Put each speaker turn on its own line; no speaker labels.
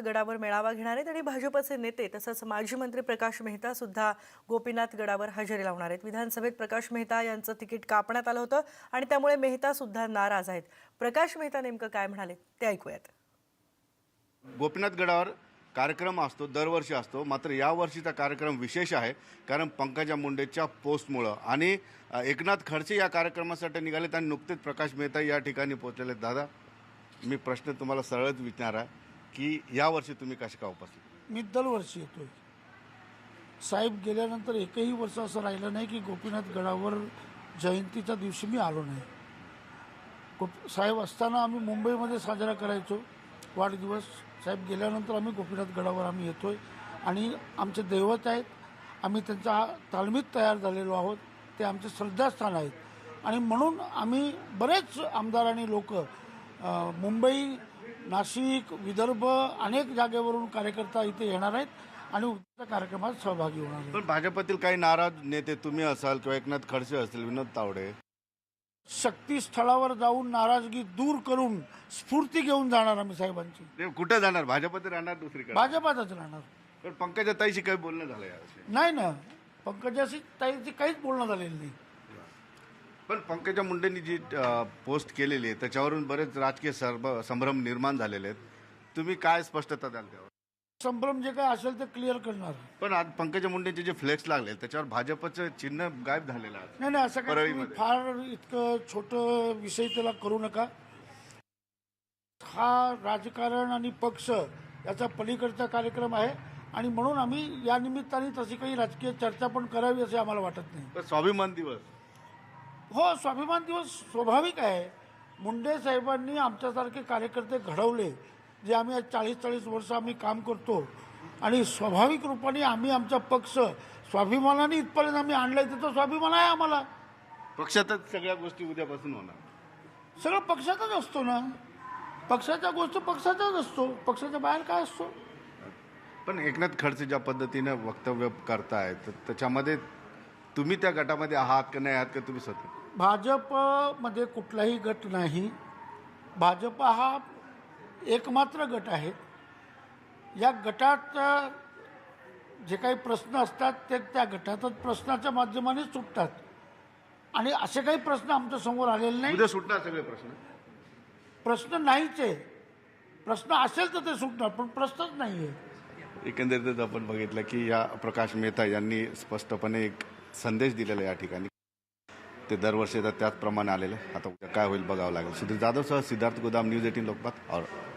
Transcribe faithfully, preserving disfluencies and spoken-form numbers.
गडावर मेळावा घेणार आहेत आणि भाजपचे नेते तसंच माजी मंत्री प्रकाश मेहता सुद्धा गोपीनाथ गडावर हजेरी लावणार आहेत। विधानसभेत प्रकाश मेहता यांचं तिकीट कापण्यात आलं होतं आणि त्यामुळे मेहता सुद्धा नाराज आहेत। प्रकाश मेहता नेमकं काय म्हणाले ते ऐकूयात।
गोपीनाथ गडावर कार्यक्रम असतो, दरवर्षी असतो, मात्र यावर्षीचा कार्यक्रम विशेष आहे कारण पंकजा मुंडेच्या पोस्टमुळे आणि एकनाथ खडसे या कार्यक्रमासाठी निघालेत आणि नुकतेच प्रकाश मेहता या ठिकाणी पोहोचलेले। दादा, मी प्रश्न तुम्हाला सरळच विचारणार की यावर्षी तुम्ही कशा का उपस्थित?
मी दरवर्षी येतोय साहेब, गेल्यानंतर एकही वर्ष असं राहिलं नाही की गोपीनाथ गडावर जयंतीच्या दिवशी मी आलो नाही। गोप साहेब असताना आम्ही मुंबईमध्ये साजरा करायचो वाढदिवस, साहेब गेल्यानंतर आम्ही गोपीनाथ गडावर आम्ही येतोय आणि आमचे दैवत आहेत, आम्ही त्यांच्या तालमीत तयार झालेलो आहोत, ते आमचे श्रद्धास्थान आहेत आणि म्हणून आम्ही बरेच आमदार आणि लोक मुंबई, नाशिक, विदर्भ अनेक जागेवरून कार्यकर्ता इथे येणार आहेत आणि उद्याच्या कार्यक्रमात सहभागी होणार आहेत।
पण भाजपतील काही नाराज नेते तुम्ही असाल किंवा एकनाथ खडसे असतील, विनोद तावडे,
शक्तीस्थळावर जाऊन नाराजगी दूर करून स्फूर्ती घेऊन जाणार आम्ही साहेबांची।
ते कुठे जाणार? भाजपत राहणार दुसरीकडे?
भाजपातच राहणार।
पण पंकजा ताईशी काही बोलणं झालं याविषयी?
नाही ना, पंकजाशी ताईची काहीच बोलणं झालेलं नाही।
पण पंकजा मुंडेंनी जी पोस्ट केलेली आहे त्याच्यावरून बरेच राजकीय संभ्रम निर्माण झालेले आहेत, तुम्ही काय स्पष्टता द्याल त्यावर?
संभ्रम जे काय असेल ते क्लिअर करणार।
पण आज पंकजा मुंडेंचे जे फ्लेक्स लागले त्याच्यावर भाजपचं चिन्ह गायब झालेलं आहे।
नाही नाही, असं काही तुम्ही फार इतकं छोटं विषय त्याला करू नका। हा राजकारण आणि पक्ष याचा पलीकडचा कार्यक्रम आहे आणि म्हणून आम्ही या निमित्ताने तशी काही राजकीय चर्चा पण करावी असे आम्हाला वाटत नाही।
पण स्वाभिमान दिवस,
हो, स्वाभिमान दिवस स्वाभाविक आहे। मुंडे साहेबांनी आमच्यासारखे कार्यकर्ते घडवले, जे आम्ही आज चाळीस चाळीस वर्ष आम्ही काम करतो आणि स्वाभाविक रूपाने आम्ही आमचा पक्ष स्वाभिमानाने इथपर्यंत आम्ही आणलाय, त्याचा स्वाभिमान आहे आम्हाला।
पक्षातच सगळ्या गोष्टी उद्यापासून होणार,
सगळं पक्षातच असतो ना, पक्षाच्या गोष्टी पक्षाचाच असतो, पक्षाच्या बाहेर काय असतो।
पण एकनाथ खडसे ज्या पद्धतीने वक्तव्य करतायत तर त्याच्यामध्ये तुम्ही त्या गटामध्ये आहात का नाही आहात का तुम्ही स्वतः?
भाजपमध्ये कुठलाही गट नाही, भाजप हा एकमात्र गट आहे। या गटात जे काही प्रश्न असतात ते त्या गटातच प्रश्नाच्या माध्यमाने सुटतात आणि असे काही प्रश्न आमच्या समोर आलेले नाही।
उद्या सुटणार सगळे प्रश्न?
प्रश्न नाहीच आहे, प्रश्न असेल तर ते सुटणार, पण प्रश्नच नाही आहे।
एकंदरीतच आपण बघितलं की या प्रकाश मेहता यांनी स्पष्टपणे एक संदेश दिलेला या ठिकाणी, ते दरवर्षी त्याचप्रमाणे आलेले। आता उद्या काय होईल बघावं लागेल। सुधीर जाधव सह सिद्धार्थ गोदाम, न्यूज एटीन लोकमत और